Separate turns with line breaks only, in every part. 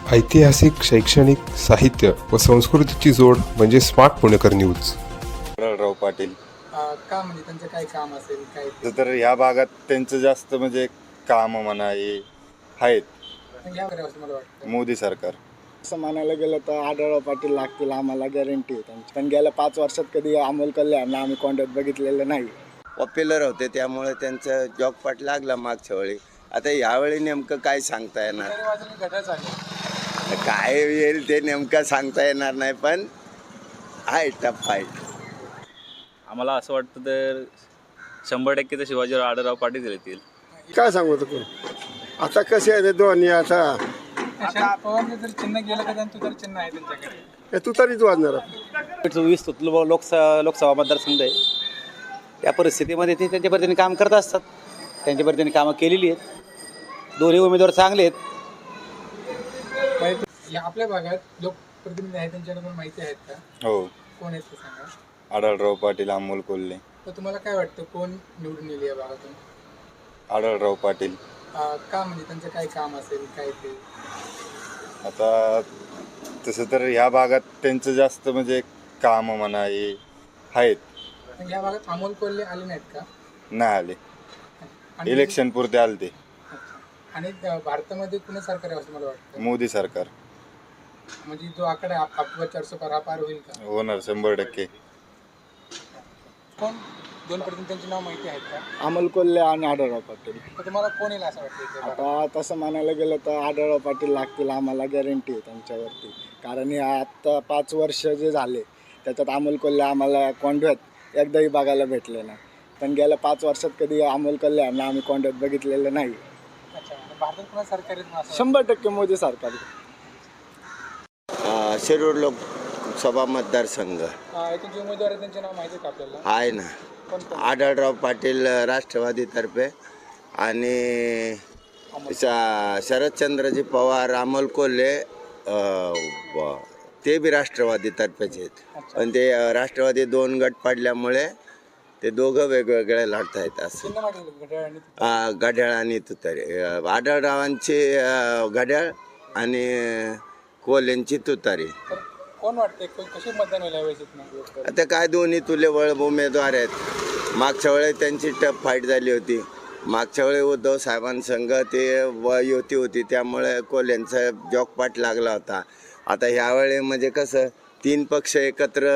ऐतिहासिक, शैक्षणिक, साहित्य व संस्कृतीची जोड म्हणजे स्मार्ट पुणेकर न्यूज.
राव पाटील
का म्हणजे त्यांचं काय काम असेल काय ते?
तर ह्या भागात त्यांचं जास्त म्हणजे काम म्हणा हे आहेत.
या वगैरे असं मला वाटतं.
मोदी सरकार
असं म्हणायला गेलं तर आढळराव पाटील लागतील, आम्हाला गॅरंटी आहे त्यांची. पण गेल्या 5 वर्षात कधी अमोल कल्याणला आम्ही कॉन्टॅक्ट बघितलेलं नाही.
पॉप्युलर होते त्यामुळे त्यांचं जॉकपाट लागला मागच्या वेळी. आता यावेळी नेमकं काय सांगता येणार,
तरी वाजून घड्याळ झाले.
काय येईल ते नेमकं सांगता येणार नाही, पण आहे टफ फाईट.
आम्हाला असं वाटतं तर 100% तर शिवाजीराव आढळराव पाटील येतील.
काय सांगू तू आता कसे आहे ते दोन्ही आता
शरद पवारने जर चिन्ह गेलं तर तू तर चिन्ह आहे त्यांच्याकडे.
हे तू तरीच वाजणार.
20 लोकसभा मतदारसंघ आहे. त्या परिस्थितीमध्ये ते त्यांच्या पद्धतीने काम करत असतात. त्यांच्या पद्धतीने कामं केलेली आहेत. दोन्ही उमेदवार चांगले आहेत.
या आपल्या भागात लोकप्रतिनिधी आहेत त्यांच्याकडून माहिती आहेत का?
हो.
कोण आहेत ते सांगा.
आढळराव पाटील, अमोल कोल्हे.
तर तुम्हाला काय वाटतं कोण निवडून येईल या भागातून?
आढळराव पाटील.
का म्हणजे त्यांचं काय काम असेल काय ते?
आता तसं तर ह्या भागात त्यांचं जास्त म्हणजे काम म्हणा हे आहेत.
या भागात अमोल कोल्हे आले नाहीत का?
नाही आले,
आणि-
इलेक्शन पुरते आले ते.
अच्छा. आणि भारतामध्ये कुणी सरकार आहे असं मला वाटतं?
मोदी सरकार
म्हणजे जो आकडा आपला 400 पार हा पार होईल का?
होणार 100%.
कोण दोन प्रतिनिधींची नाव माहिती आहेत का?
अमोल कोल्हे आणि आढळराव पाटील.
तर तुम्हाला कोण येईल असं वाटतं इथे भागात?
आता तसं म्हणायला गेलं तर आढळराव पाटील लागतील, आम्हाला गॅरंटी आहे त्यांच्यावरती. कारण हे आत्ता 5 वर्ष जे झाले त्याच्यात अमोल कोल्हे आम्हाला कॉन्टॅक्ट एकदाही बघायला भेटले नाही. पण गेल्या 5 वर्षात कधी अमोल कल्याणला आम्ही कॉन्टॅक्ट बघितलेलं नाही.
अच्छा. आणि भारतात कुणा सरकार आहे असं
100% मोदी सरकार.
शिरूर लोकसभा मतदारसंघ
वाटतं? इथे जे उमेदवार आहेत त्यांचे नाव माहिती आहे का आपल्याला?
आहे ना.
कोण कोण?
आढळराव पाटील राष्ट्रवादीतर्फे आणि शरदचंद्रजी पवार, अमोल कोल्हे ते बी राष्ट्रवादीतर्फेच आहेत. पण ते राष्ट्रवादी 2 गट पडल्यामुळे ते दोघं वेगवेगळे लढत आहेत. असं
चिन्ह माहिती आहे का? घड्याळ आणि ते?
घड्याळ आणि तुतारी. आढळरावांची घड्याळ आणि कोल्हेंची तुतारी.
तर कोण वाटते कशी मतदान व्हायला हवे इथनं?
आता काय दोन्ही तुल्यबळ उमेदवार आहेत. मागच्या वेळी त्यांची टफ फाईट झाली होती. मागच्या वेळी उद्धव साहेबांसंग ते युती होती त्यामुळे कोल्ह्यांचा जॉकपाट लागला होता. आता ह्यावेळी म्हणजे कसं 3 पक्ष एकत्र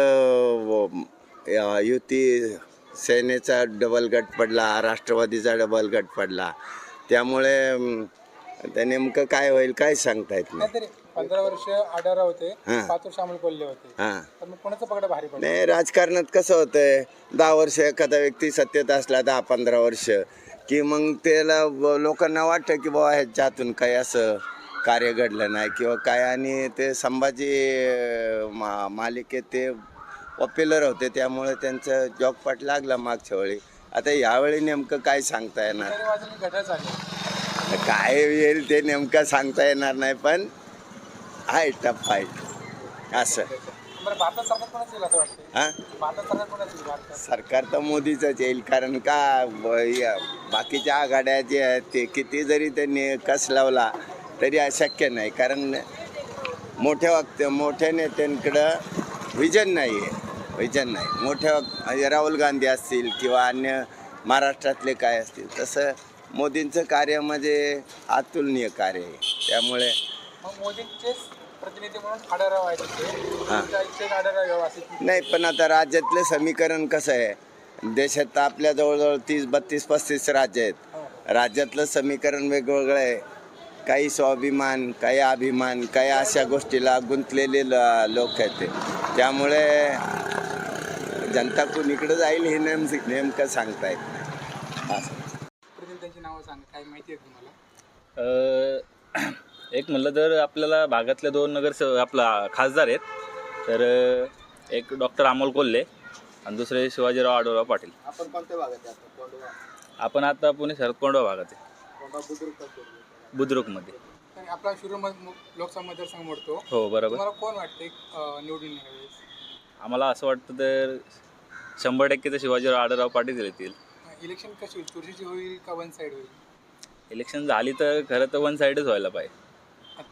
युती, सेनेचा डबल गट पडला, राष्ट्रवादीचा डबल गट पडला. त्यामुळे आता नेमकं काय होईल काय सांगता येत नाही.
नाहीतरी 15 वर्ष आढळराव होते,
हां.
5 वर्ष अमोल कोल्हे होते.
हां.
तर मग कोणाचं पकड भारी पडलं?
नाही, राजकारणात कसं होतंय 10 वर्ष एखादा व्यक्ती सत्तेत असला 10-15 वर्ष की मग त्याला लोकांना वाटतं की बाबा ह्याच्यातून काही असं कार्य घडलं नाही किंवा काय. आणि ते संभाजी मालिकेत ते पॉप्युलर होते त्यामुळे त्यांचं जॉकपाट लागला मागच्या वेळी. आता यावेळी नेमकं काय सांगता येणार,
तरी वाजून घड्याळ झाले.
काय येईल ते नेमकं सांगता येणार नाही, पण आहे टफ फाईट असं.
बरं, भारतात सरकार कोणाचं येईल असं वाटतं?
हां,
भारतात सरकार कोणाचं येईल भारतात?
सरकार तर मोदीचंच येईल. कारण का बाकीच्या आघाड्या जे आहेत ते किती जरी त्यांनी कस लावला तरी अशक्य नाही. कारण मोठ्या नेत्यांकडं विजन नाही आहे. विजन नाही. मोठ्या राहुल गांधी असतील किंवा अन्य महाराष्ट्रातले काय असतील, तसं मोदींचं कार्य म्हणजे अतुलनीय कार्य आहे. त्यामुळे
मग मोदींचेच प्रतिनिधी म्हणून आढळराव आहेत तिथे.
हां.
तुमच्या इच्छेत आढळराव यावं असं
नाही, पण आता राज्यातलं समीकरण कसं आहे, देशात आपल्या जवळजवळ 30-32-35 राज्य आहेत. राज्यातलं समीकरण वेगवेगळं आहे. काही स्वाभिमान, काही अभिमान, काही अशा गोष्टीला गुंतलेले लोक आहेत ते. त्यामुळे जनता कुणीकडे जाईल हे नेमकं सांगता येत नाही. असं
प्रतिनिधींची नावं सांगा, काय माहिती आहे तुम्हाला?
एक म्हणलं तर आपल्याला भागातले 2 आपला खासदार आहेत. तर एक डॉक्टर अमोल कोल्हे आणि दुसरे शिवाजीराव आढळराव पाटील.
आपण कोणत्या भागात आहे?
आपण आता पुणे शरद कोंडवा भागात आहे, बुद्रुकमध्ये.
तर आपला शिरूर लोकसभा मतदारसंघ मोडतो.
हो, बरोबर.
तुम्हाला कोण वाटते निवडून यावेळेस?
आम्हाला असं वाटतं तर 100% तर शिवाजीराव आढळराव पाटील येतील.
इलेक्शन कशी होईल? चुरशीची होईल का वन साईड होईल?
इलेक्शन झाली तर खरं तर 1 साईडच व्हायला पाहिजे.
अच्छा.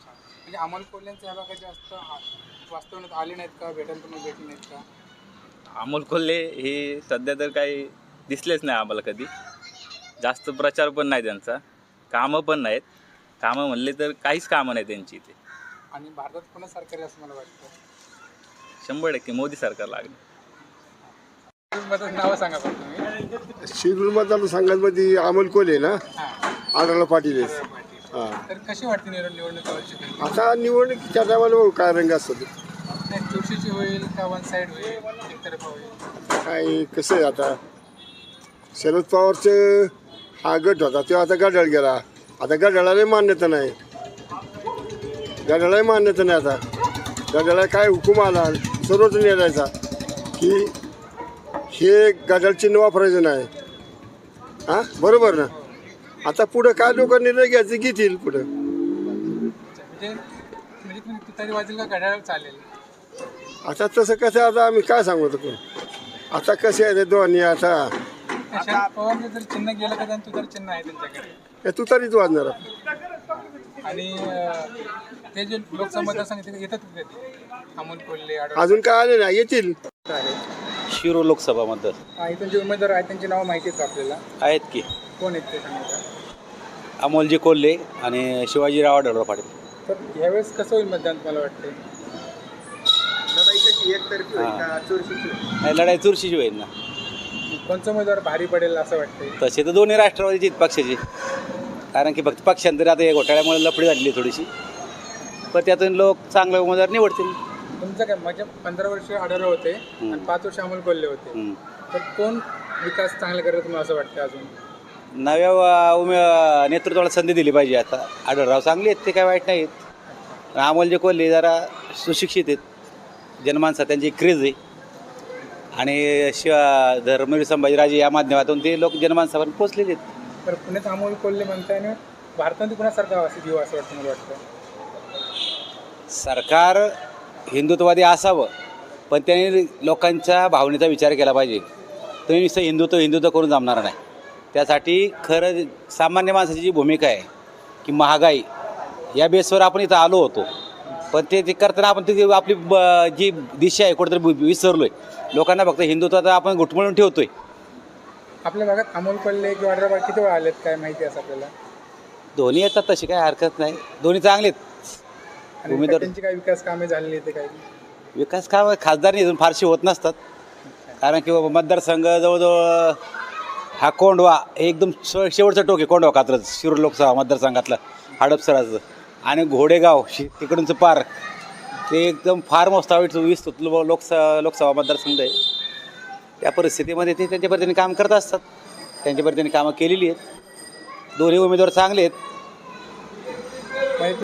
म्हणजे अमोल कोल्हेंच्या ह्या भागात जास्त वास्तवण्यात आले नाहीत का, भेटायला तुम्ही भेटले नाहीत का?
अमोल कोल्हे हे सध्या तर काही दिसलेच नाही आम्हाला कधी. जास्त प्रचार पण नाही त्यांचा, कामं पण नाहीत. कामं म्हणले तर काहीच कामं नाही त्यांची इथे.
आणि भारतात पुन्हा सरकार आहे असं मला वाटतं.
100% मोदी सरकार लागलं.
मदत नावं सांगा पण तुम्ही.
शिरूर मतदारसंघामध्ये अमोल कोल्हे ना, आढळराव पाटील आहेत. हां,
तर कशी वाटते निवडणूक यावर्षी?
आता निवडणुकीच्या टायमाला काय रंग असतो
नाही, चुरशीची होईल का वन साईड होईल, एकतर्फा होईल?
काय कसं आहे आता, शरद पवारचं हा गट होता तेव्हा आता गडाळ गेला. आता गडाळाला मान्यता नाही, गडाळाला मान्यता नाही. आता गडाळा काय हुकूम आला सर्वच निर्णयाचा की हे गडाळ चिन्ह वापरायचं नाही. हां, बरोबर ना. आता पुढं काय लोक निर्णय घ्यायचे घेतील पुढं.
म्हणजे तुम्ही तुतारी वाजेल का घड्याळ चालेल?
आता तसं कसं, आता आम्ही काय सांगू कोण, आता कसे आहे ते दोन्ही. आता
शरद पवारचं जर चिन्ह गेलं का त्यांनी तुतारी चिन्ह आहे त्यांच्याकडे.
हे तुतारीच वाजणार.
आणि ते जे लोकसभा मतदारसंघ तिथे येतात कधी अमोल कोल्हे
अजून काय आले नाही, येतील.
शिरूर लोकसभा मतदार
इथून जे उमेदवार आहेत त्यांची नावं माहिती आहेत का आपल्याला?
आहेत की
कोण आहेत ते सांगा.
अमोलजी कोल्हे आणि शिवाजीराव आढळराव पाटील.
तर यावेळेस कसं होईल मतदान मला वाटते?
नाही, लढाई चुरशीची होईल ना.
कोणचा उमेदवार भारी पडेल असं वाटतंय?
तसे तर दोन्ही राष्ट्रवादीचे आहेत पक्षाचे, कारण की फक्त पक्षांतरी आता या घोटाळ्यामुळे लफडी झालेली थोडीशी, पण त्यातून लोक चांगले उमेदवार निवडतील.
तुमचं काय म्हणजे 15 वर्ष आढळराव होते आणि 5 वर्ष अमोल कोल्हे होते, तर कोण विकास चांगला करेल तुम्हाला असं वाटतं? अजून
नव्या नेतृत्वाला संधी दिली पाहिजे. आता आढळराव चांगले आहेत, ते काय वाईट नाहीत. अमोलजी कोल्हे जरा सुशिक्षित आहेत, जनमानसात त्यांची क्रेज आहे, आणि धर्मवीर संभाजीराजे या माध्यमातून ते लोक जनमानसापर्यंत पोचलेले आहेत.
तर पुण्यात अमोल कोल्हे म्हणताय आणि भारतात पुन्हा सरकार असं घेऊ असं वाटतं मला वाटतं.
सरकार हिंदुत्ववादी असावं, पण त्यांनी लोकांच्या भावनेचा विचार केला पाहिजे. तुम्ही नुसतं हिंदुत्व करून जमणार नाही. त्यासाठी खरं सामान्य माणसाची जी भूमिका आहे की महागाई या बेसवर आपण इथं आलो होतो, पण ते करताना आपण ती आपली जी दिशा आहे कुठेतरी विसरलो आहे. लोकांना फक्त हिंदुत्वाचा आपण घुटमळून ठेवतोय.
आपल्या भागात अमोल कोल्हे किंवा आढळराव किती वेळा आलेत काय माहिती असं आपल्याला?
दोन्ही येतात, तशी काय हरकत नाही, दोन्ही चांगलेत.
आणि
उमेदवार
त्यांची काही विकास कामे झालेली ते काही?
विकास काम खासदार अजून फारशी होत नसतात, कारण की मतदारसंघ जवळजवळ हा कोंडवा एकदम शेवटचं टोक आहे. कोंडवा कात्रज शिरूर लोकसभा मतदारसंघातलं हडपसराचं, आणि घोडेगाव तिकडूनचं पार्क ते एकदम फार मोठा 20 लोकसभा मतदारसंघ आहे. त्या परिस्थितीमध्ये ते त्यांच्या पद्धतीने काम करत असतात, त्यांच्या पद्धतीने कामं केलेली आहेत. दोन्ही उमेदवार चांगले आहेत.